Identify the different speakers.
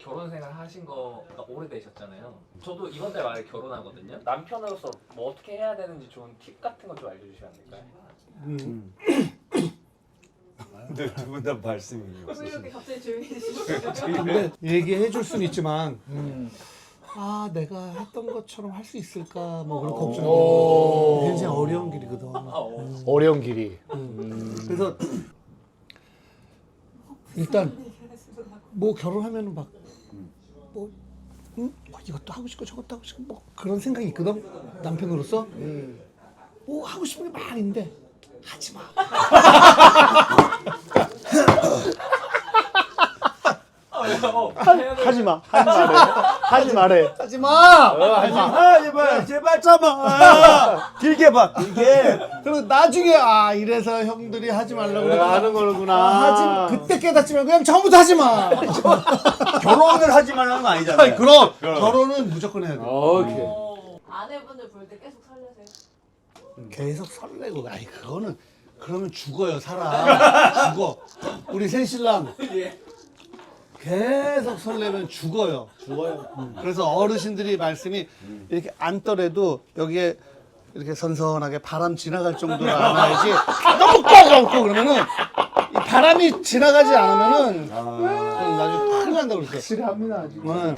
Speaker 1: 결혼 생활 하신 거가 오래되셨잖아요. 저도 이번 달 말에 결혼하거든요. 남편으로서 뭐 어떻게 해야 되는지 좋은 팁 같은 거 좀 알려주시면 안 될까요?
Speaker 2: 근데 두 분 다 말씀이
Speaker 3: 왜
Speaker 2: 없으시네.
Speaker 3: 이렇게 갑자기 조용해지시죠?
Speaker 4: 근데 얘기해 줄 수는 있지만 아 내가 했던 것처럼 할 수 있을까 뭐 그런 걱정이 굉장히 어려운 길이거든.
Speaker 5: 어려운 길이.
Speaker 4: 그래서 일단 뭐 결혼하면은 막뭐 이것도 하고 싶고 저것도 하고 싶고 뭐 그런 생각이 있거든 남편으로서. 뭐 하고 싶은 게 많은데 하지 마.
Speaker 5: 하지 마. 하지 말해.
Speaker 4: 하지 마.
Speaker 2: 제발 참아. 길게 봐. 길게.
Speaker 4: 그리고 나중에 아 이래서 형들이 하지 말라고 그러더라.
Speaker 5: 하는 거구나.
Speaker 4: 하지 그때 깨닫지만 그냥 처음부터 하지 마.
Speaker 2: 결혼을 하지 말라는 거 아니잖아요.
Speaker 4: 그럼 결혼은 무조건 해야 돼.
Speaker 5: 오케이.
Speaker 3: 아내분들 볼 때 계속 설레세요?
Speaker 4: 계속 설레고 아니 그거는 그러면 죽어요 사람. 죽어. 우리 새신랑 계속 설레면 죽어요. 그래서 어르신들이 말씀이 이렇게 앉더라도 여기에 이렇게 선선하게 바람 지나갈 정도로 안아야지 너무 꽉 안고 그러면은 이 바람이 지나가지 않으면은 나중에 큰일 난다고 그랬어요.
Speaker 5: 확실히 합니다.
Speaker 4: 네.